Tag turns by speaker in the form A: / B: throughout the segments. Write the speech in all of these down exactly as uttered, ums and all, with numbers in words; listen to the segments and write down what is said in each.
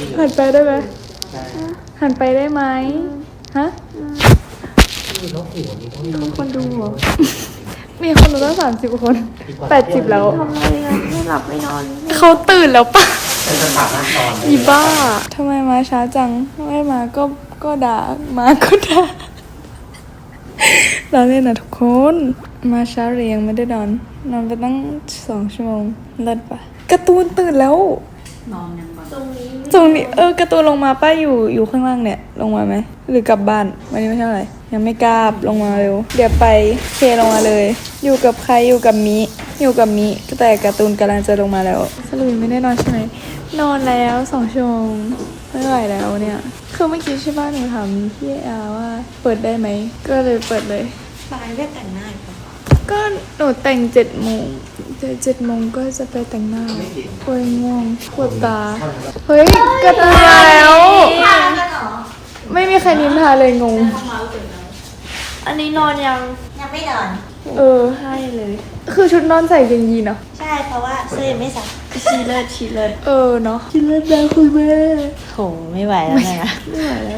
A: หันไปได้ไหมหันไปได้ไหมฮะมีคนดูเหรอมีคนดูตั้งสามสิบคนแปดสิบแล้ว
B: ทำอะไรกันไม่หลับไม่นอน
A: เขาตื่นแล้วปะอีบ้าทำไมมาช้าจังไม่มาก็ก็ด่ามาก็ด่าเราเล่นนะทุกคนมาช้าเรียงไม่ได้นอนนอนไปตั้งสองชั่วโมงเลิศปะการ์ตูนตื่นแล้ว
B: นอนยังตรงนี้
A: ตรงนี้เออการ์ตูนลงมาป้าอยู่อยู่ข้างล่างเนี่ยลงมาไหมหรือกลับบ้านวันนี้ไม่ใช่อะไรยังไม่กล้าลงมาเร็วเดี๋ยวไปเคลงมาเลยอยู่กับใครอยู่กับมิอยู่กับมิแต่การ์ตูนกำลังจะลงมาแล้วสรุปไม่ได้นอนใช่ไหมนอนแล้วสองชั่วโมงไม่ไหวแล้วเนี่ยคือเมื่อกี้ใช่ป่ะหนูถามพี่อาว่าเปิดได้ไหมก็เลยเปิดเลย
B: ปายได้แต่งหน้าปะ
A: ก็หนูแต่งเจ็ดโมงเจ็ดเจ็ดโมงก็จะไปแต่งหน้าปวดง่วงปวดตาเฮ้ยกระตุ้นมาแล้วไม่มีใครนินทาเลยงง
B: อันนี้นอนยังยังไม่นอน
A: เออใช่เลยคือชุดนอนใส่กางยีนเนาะ
B: ใช่เพราะว่าเสื้อยังไม่ใส่ชีเลิศชีเลิศ
A: เออเนาะชีเลิศแล้วคุณแม่
B: โหไม่ไหวแล้วนะ
A: ไม่ไหวแล้ว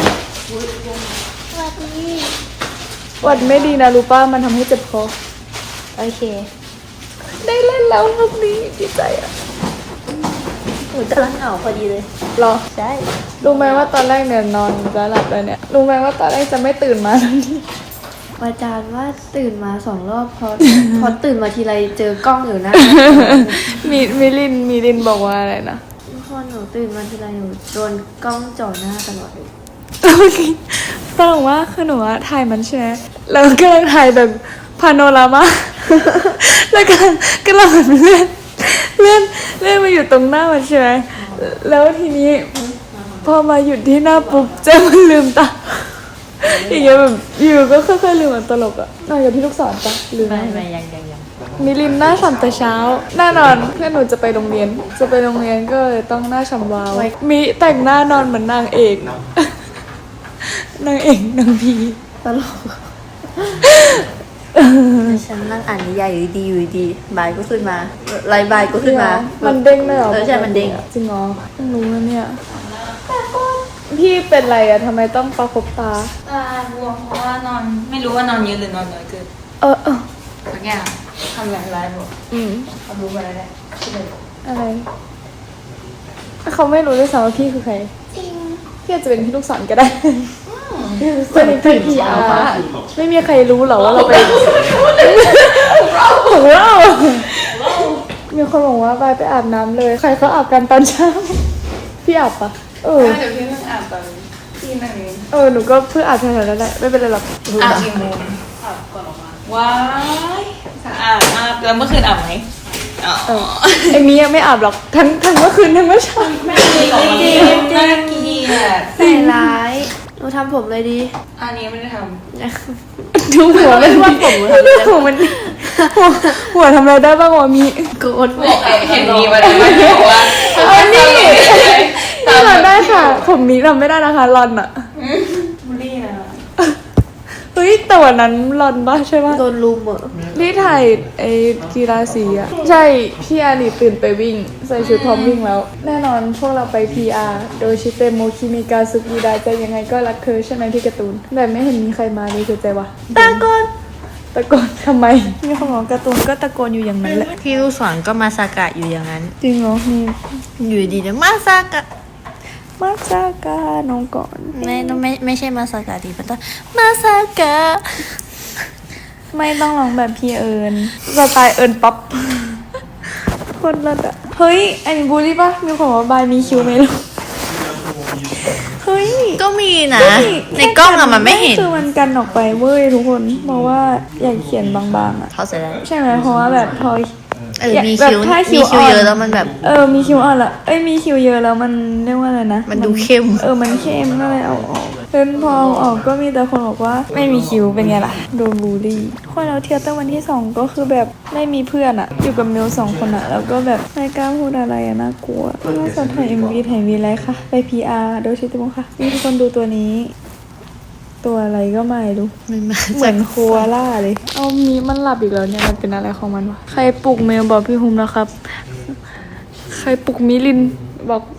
B: สวัสดี
A: วัดไม่ดีนะรู้ป่ะมันทำให้เจ็บคอ
B: โอเค
A: ได้เล่นแล้วรอบนี้ดีใจอ่ะ
B: หนูกำลังเหงาพอดีเลย
A: หรอ
B: ใช่
A: รู้ไหมว่าตอนแรกเนี่ยนอนจะหลับแล้วเนี่ยรู้ไหมว่าตอนแรกจะไม่ตื่นมาทันที
B: อาจารย์ว่าตื่นมาสองรอบพอพอตื่นมาทีไรเจอกล้องอยู่นะ
A: มีมิลินมิลินบอกว่าอะไรนะ
B: พอหนูตื่นมาทีไรหนูโดนกล้องจ่อหน้าตลอดเลย
A: ตลกว่าคือหนูอะถ่ายมันใช่ไหมแล้วก็ถ่ายแบบพาโนรามาแล้วก็ก็เราเลื่อนเลื่อนเลื่อนมาอยู่ตรงหน้ามันใช่ไหมแล้วทีนี้พอมาหยุดที่หน้าปุ๊บเจ๊มันลืมตาอย่างเงี้ยแบบอยู่ก็ค่อยๆลืมตลกอะนอนกับพี่ลูกศรปะลืม
B: ไม่ไม่ยังยังยัง
A: มิลินหน้าฉ่ำแต่เช้าหน้านอนเพื่อนหนูจะไปโรงเรียนจะไปโรงเรียนก็เลยต้องหน้าฉ่ำวาวมิแต่งหน้านอนเหมือนนางเอกนางเอกนางพี
B: ตลกฉันนั่งอ่านนิยายอยู่ดีอยู่ดีบายก็ขึ้นมาไลน์บายก็ขึ้นมา
A: มันเด้งเลยเหรอ
B: เออใช่มันเด้ง
A: จริงเหรอเพิ่งรู้นะเนี่ยพี่เป็นไรอะทำไมต้องประคบตา
C: ตาบวมเพราะว่านอนไม่รู้ว่านอนเยอะหรือนอนน้อยเกิน
A: เออเออ
C: สักอย่างทำอย่างไรบอก
A: อืม
C: เขารู้ไปแล้วแหละ
A: อะไรเขาไม่รู้ด้วยซ้ำว่าพี่คือใครจริงพี่อาจจะเป็นพี่ลูกศรก็ได้จะเป็นพี่พีอาร์ไม่มีใครรู้หรอว่าเราเป็นของเรามีคนบอกว่าไปไปอาบน้ำเลยใครเขาอาบกันตอนเช้าพี่อาบปะเออ
C: เดี๋ยวพี่เพิ่งอาบตอนที่นั่นเอง
A: เออหนูก็เพิ่งอาบแถวๆนั้นแหละไม่เป็นไรหรอก
C: อาบกี่โมงอาบก่อนออกมาว้ายสะอาดมากแล้วเมื่อคืนอาบไหม
A: อ๋อไอ้มียังไม่อาบหรอกทั้งทั้งเมื่อคืนทั้งเมื่อเช้า
C: ไม่จริงจริงน่าเกลียด
B: ใส่ร้ายหนูทำผมเลยดี
C: อันนี้ไม่ได้ท
A: ำดูหัวมัน
B: ว่าผม
A: หัวมันหัวทำอะไรได้บ้างวะมี
B: โกด
C: บอกเห็นมีมาแล้วบอกว่า
A: อันนี้ทำได้ค่ะผมนี้ทำไม่ได้นะคะรอนอะ
C: บุลี่นะ
A: เฮ้ยแต่วันนั้นรอนบ้าใช่ป่ะ
B: โดนลุมเหรอ
A: ที่ถ่ายไอ้กีฬาสีอะใช่พี่อารีตื่นไปวิ่งใส่ชุดพร้อมวิ่งแล้วแน่นอนพวกเราไป พี อาร์ โดยชิเตโมคิมิกาซุกิดาจะยังไงก็รักเธอใช่ไหมพี่การ์ตูนแต่ไม่เห็นมีใครมาเลยคือใจวะ
B: ตะโกน
A: ตะโกนทำไมมีคนบอกการ์ตูนก็ตะโกนอยู่อย่างนั้นแหละ
B: พี่ลูกศรก็มาซากะอยู่อย่างนั้น
A: จริงเหรอมี
B: อยู่ดีนะมาซากะ
A: มาซากะน้องก่อน
B: ไม่ต้องไม่ไม่ใช่มาซากะดิมันต้องมาซากะ
A: ไม่ต้องร้องแบบพี่เอิญสไตล์เอิญป๊อปคนละอะเฮ้ยอันนี้บูลลี่ปะมีคนบอกว่าบายมีคิวไหมลูกเฮ้ย
B: ก็มีนะในกล้องอะมันไม่เห็น
A: คือมันกันออกไปเว้ยทุกคนบอกว่าอยากเขียนบางๆอะ
B: เขาเสร็จแล้ว
A: ใช่ไหมเพราะว่าแบบพอ
B: เออมีคิวมีคิวเยอะแล้วมันแบบ
A: เออมีคิวอ่อนละเอ้ยมีคิวเยอะแล้วมันเรียกว่าอะไรนะ
B: มันดูเข้ม
A: เออมันเข้มก็เลยเอาออกเพิ่นพอออกก็มีแต่คนบอกว่าไม่มีคิวเป็นไงล่ะโดนบูลลี่คนเราเที่ยวตั้งวันที่สองก็คือแบบไม่มีเพื่อนอะอยู่กับเมลสองคนอะแล้วก็แบบไม่กล้าพูดอะไรอะน่ากลัวน่าจะถ่ายเอ็มวีถ่ายวีไรค่ะไป พี อาร์ โดยชิติมงค่ะมีทุกคนดูตัวนี้ตัวอะไรก็ไม่รู้เหมือนโคอาล่าเลยเอามีมันหลับอีกแล้วเนี่ยมันเป็นอะไรของมันวะใครปลุกเมลบอกพี่ฮุมนะครับใครปลุกมิลินบอก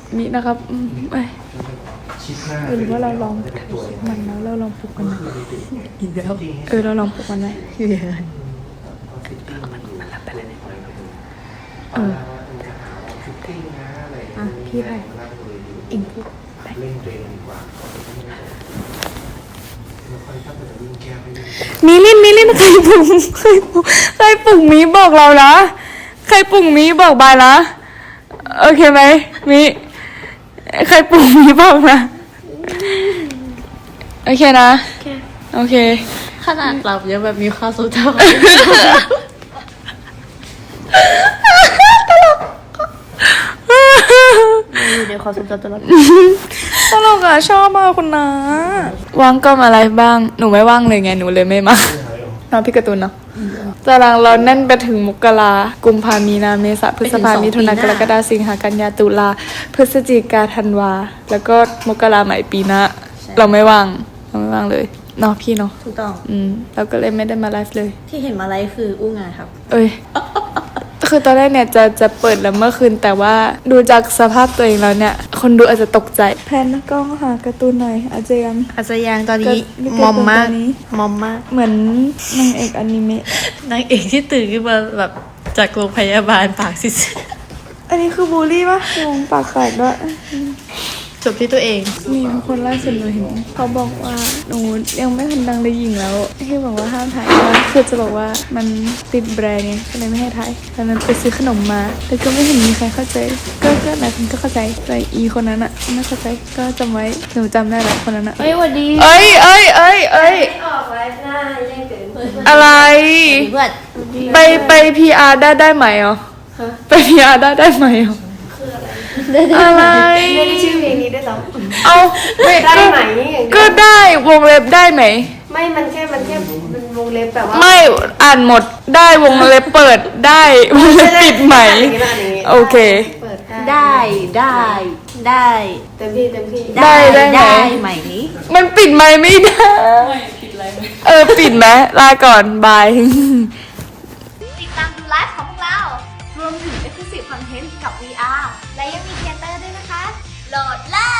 A: มินะครับอืมเอ้ย
D: ชิดหน้า
A: เออหรือว่าเราลองถ่ายคลิปมันแล้วเราลองปลุกมันไหม
C: อีกแล้ว
A: เออเราลองปลุกมันไหม
C: เยอะ
D: มันมันรับไปเลย
A: เออ
D: ฟิตติ้งนะอะไร
A: อ่ะพี่ไผ่เอ็งพูดไป
D: เล่นตัวเองดีกว่าแล้วค่อยถ้าเป็นวิ่งแก้ให้วิ่ง
A: มิลินมิลินใครปลุกใครปลุกใครปลุกมิบอกเรานะใครปลุกมิบอกบายนะโอเคไหมมิใครปลุกมิบอกนะโอเคนะโอเค
C: ขนาดหลับยังแบบมีความสุขเท่า อยู่ในความทรงจำตลอด
A: ตลกอ่ะชอบมากคุณนะว่างก็มาอะไรบ้างหนูไม่ว่างเลยไงหนูเลยไม่มาน้องพี่การ์ตูนเนาะตารางเราแน่นไปถึงมกรากุมภามีนาเมษาพฤษภามิถุนากรกฎาสิงหากันยาตุลาพฤศจิกาธันวาแล้วก็มกราใหม่ปีหน้าเราไม่ว่างเราไม่ว่างเลยเนาะพี่เนาะ
C: ถูกต้อง
A: อืมเราก็เลยไม่ได้มาไลฟ์เลย
C: ที่เห็นมาไลฟ์คืออู้งานครับ
A: เอ้ย คือตอนแรกเนี่ยจะจะเปิดแล้วเมื่อคืนแต่ว่าดูจากสภาพตัวเองแล้วเนี่ย คนดูอาจจะตกใจแพนกล้องหาการ์ตูนหน่อยอาจจะยัง
C: อาจจะยังตอนนี้
A: ก็
C: มอมมาก
A: ตอนนี้
C: มอมมาก
A: เหมือนนางเอกอนิเมะ
C: นางเอกที่ตื่นขึ้นมาแบบจากโรงพยาบาลปากซิด
A: อันนี้คือบูลลี่ปะงงปากแตกด้วย
C: จบที่ตัวเอง
A: มีคนล่าสุดหนูเห็นเขาบอกว่าหนูยังไม่ทันดังเลยหญิงแล้วที่บอกว่าห้ามถ่ายว่าคือจะบอกว่ามันติดแบรนด์เนี่ยก็เลยไม่ให้ถ่ายตอนนั้นไปซื้อขนมมาแต่ก็ไม่เห็นมีใครเข้าใจก็ก็หลายคนก็เข้าใจแต่อีคนนั้นอะไม่เข้าใจก็จำไว้หนูจำได้แหละคนนั้นอะ
B: เฮ้ยสวัสดี
A: เอ้ยเอ้ยเอ้ยเอ้ย
B: ไม่ออกไลฟ์หน้าแย่งเกินเพื่อน
A: อะไร
C: เพื่อน
A: ไปไปพีอาร์ได้ได้ไหมอ๋อไปพีอาร์ได้ได้ไหมอ๋ออะไร
B: ไม่ได้ชื่อเพลงนี้ด้วยซ้
A: เอาไม่
B: ำได้
A: ก็
B: ไหมอย่างเดียว
A: ก็ได้วงเล็บได้ไหม
B: ไม่มันแค่มันแค่เป็นวงเล็บแบบว่า
A: ไม่อ่านหมดได้วงเล็บเปิดได้วงเล็บปิดไหม
B: อย่างนี้นะอันนี้
A: โอเค
B: เปิด
C: ได้ได้ได้
B: เต็มที่เต็มที่
A: ได้ได้ไหม
C: ได้ไหมนี้
A: มันปิดไหมไม่ได้
C: ไม่ผิดอะไรไหม
A: เออปิดไหมลาก่อนบาย
E: ติดตามดูไลฟ์ของพวกเรา รวมถึง Exclusive Content กับ วี อาร์ และยังมีเทเตอร์ด้วยนะคะ โหลดเลย